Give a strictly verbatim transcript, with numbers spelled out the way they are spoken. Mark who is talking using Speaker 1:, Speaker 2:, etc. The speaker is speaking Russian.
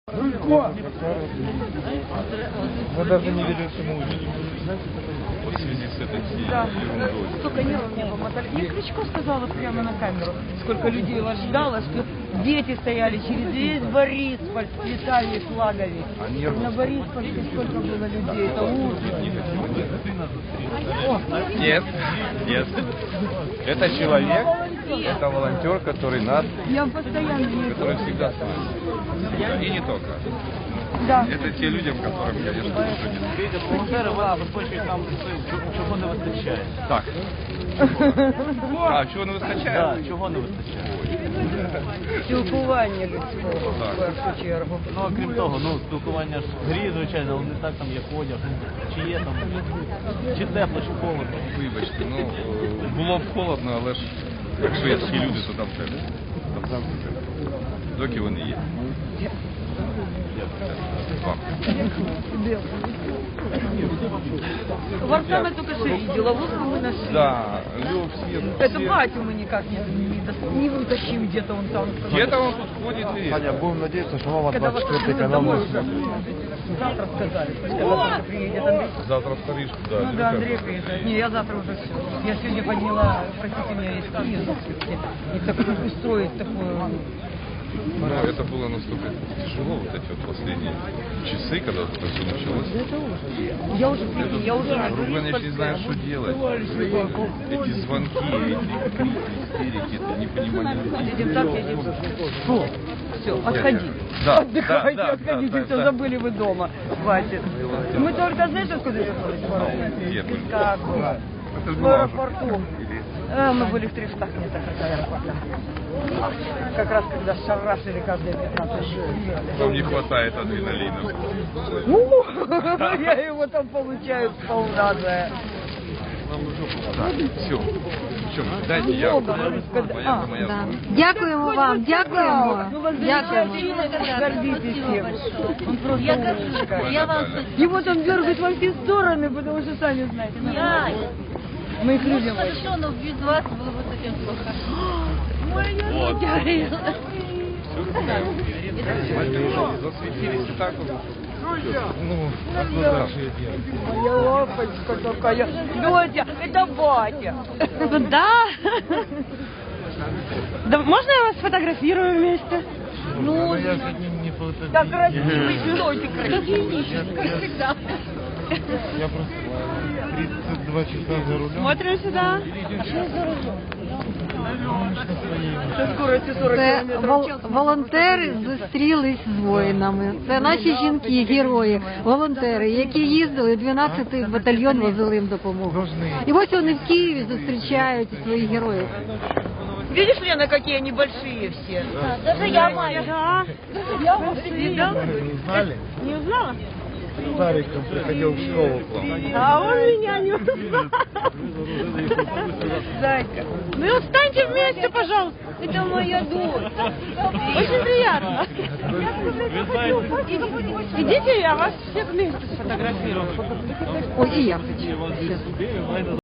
Speaker 1: Рулько!
Speaker 2: Мы даже не верим, что мы увидим.
Speaker 3: Вот в связи с этой всей
Speaker 1: Да.
Speaker 3: ерундой.
Speaker 1: Сколько нервов не помотали. Мне Кличко сказала прямо на камеру, сколько людей вас ждало, что дети стояли через весь Бориспольск, цветами и флагами.
Speaker 3: А нервы?
Speaker 1: На Бориспольске сколько было людей, это ужас.
Speaker 3: Нет, нет. Это человек, это волонтер, который нас,
Speaker 1: Я постоянно не
Speaker 3: который всегда с нами. И не только.
Speaker 1: Да.
Speaker 3: Это те люди, которым, конечно, тоже не
Speaker 2: Видите, волонтери вони забезпечують нам чого не вистачає.
Speaker 3: так. А чого не вистачає?
Speaker 2: Так, чого не вистачає.
Speaker 1: Спілкування людського,
Speaker 3: Так.
Speaker 1: в першу чергу.
Speaker 2: Ну, а крім того, ну, спілкування ж в грі, звичайно, але не так там, як одяг, чи є там, чи тепло, чи холодно.
Speaker 3: Вибачте, ну е, було б холодно, але ж якщо є такі люди, то там тепло. Там завжди тепло. Доки вони є. Вам.
Speaker 1: Варсами только что видела, вот мы нашли.
Speaker 3: Да, Лев, все.
Speaker 1: Это
Speaker 3: все.
Speaker 1: батю мы никак не, не, дос- не вытащим, где-то он там.
Speaker 3: Где-то он тут ходит и...
Speaker 4: Аня, будем надеяться, что мама
Speaker 1: Когда вас
Speaker 4: двадцать четвёртый
Speaker 1: отвезут
Speaker 4: канал
Speaker 1: домой
Speaker 4: нас
Speaker 1: уже. Завтра сказали, когда завтра приедет Андрей.
Speaker 3: Завтра в Париж, да.
Speaker 1: Ну да, Андрей приезжает. Не, я завтра уже все. Я сегодня подняла, простите меня, из Киева. И такую устроить такую...
Speaker 3: Но это было настолько тяжело, вот эти вот последние часы, когда это все началось.
Speaker 1: Это ужас. Я уже, прикинь, я уже... на
Speaker 3: Вдруг они не знают, что делать. Эти звонки, эти крики, истерики, это непонимание людей.
Speaker 1: Едем так, едем. Что? Все, отходи.
Speaker 3: Да,
Speaker 1: Отдыхайте,
Speaker 3: да, да,
Speaker 1: отходите,
Speaker 3: да,
Speaker 1: все,
Speaker 3: да.
Speaker 1: забыли вы дома. Хватит. Мы только, знаешь, откуда ехали?
Speaker 3: Где были?
Speaker 1: Как было?
Speaker 3: Это же
Speaker 1: В
Speaker 3: была
Speaker 1: аэропорту. А, мы были в трехстах метрах от аэропорта. Как раз когда шарашили каждые пятнадцать минут.
Speaker 3: Вам не хватает адреналина.
Speaker 1: У, Я его там получаю сполна же.
Speaker 3: Так, все. Все, дайте я.
Speaker 1: Много,
Speaker 3: Моя,
Speaker 1: когда- а,
Speaker 3: моя.
Speaker 5: Да. Дякуємо вам, дякуємо.
Speaker 1: Ну, вас
Speaker 5: Дякуємо.
Speaker 1: замечательно, гордитесь им. Он просто
Speaker 6: Я
Speaker 1: умничка.
Speaker 6: горжусь. Я вам
Speaker 1: И вот он дергает во все стороны, потому что сами знаете.
Speaker 6: Я.
Speaker 1: Мы их
Speaker 6: Ну
Speaker 1: любим очень.
Speaker 6: хорошо, но без вас было бы совсем плохо.
Speaker 3: Вот.
Speaker 6: Ой,
Speaker 3: Засветились и так вот. Ну,
Speaker 1: Моя лапочка такая. Доча, это батя.
Speaker 5: Да. Да, можно я вас сфотографирую вместе?
Speaker 1: Ну, так красивый, что красивый.
Speaker 6: как всегда.
Speaker 4: Я просто тридцать два часа за рулем.
Speaker 5: Смотрим сюда.
Speaker 1: Со скоростью сорок
Speaker 5: Це
Speaker 1: километров в
Speaker 5: вол-
Speaker 1: час.
Speaker 5: волонтери зустрілись з воїнами. Це наші жінки, герої, волонтери, які їздили, дванадцятий батальйон возили їм допомогу. І ось вони в Києві зустрічають своїх героїв.
Speaker 1: Видишь, Лена, какие они большие все?
Speaker 6: Даже я маленькая.
Speaker 5: Да.
Speaker 1: Я большие, да?
Speaker 4: Не знали?
Speaker 5: Не узнала?
Speaker 4: Стариком приходил в школу к вам.
Speaker 5: А он меня не узнал.
Speaker 1: Зайка.
Speaker 5: Ну встаньте вместе, пожалуйста.
Speaker 1: Это моя дочь.
Speaker 5: Очень приятно. Идите, я вас всех вместе сфотографирую. Ой, и я хочу.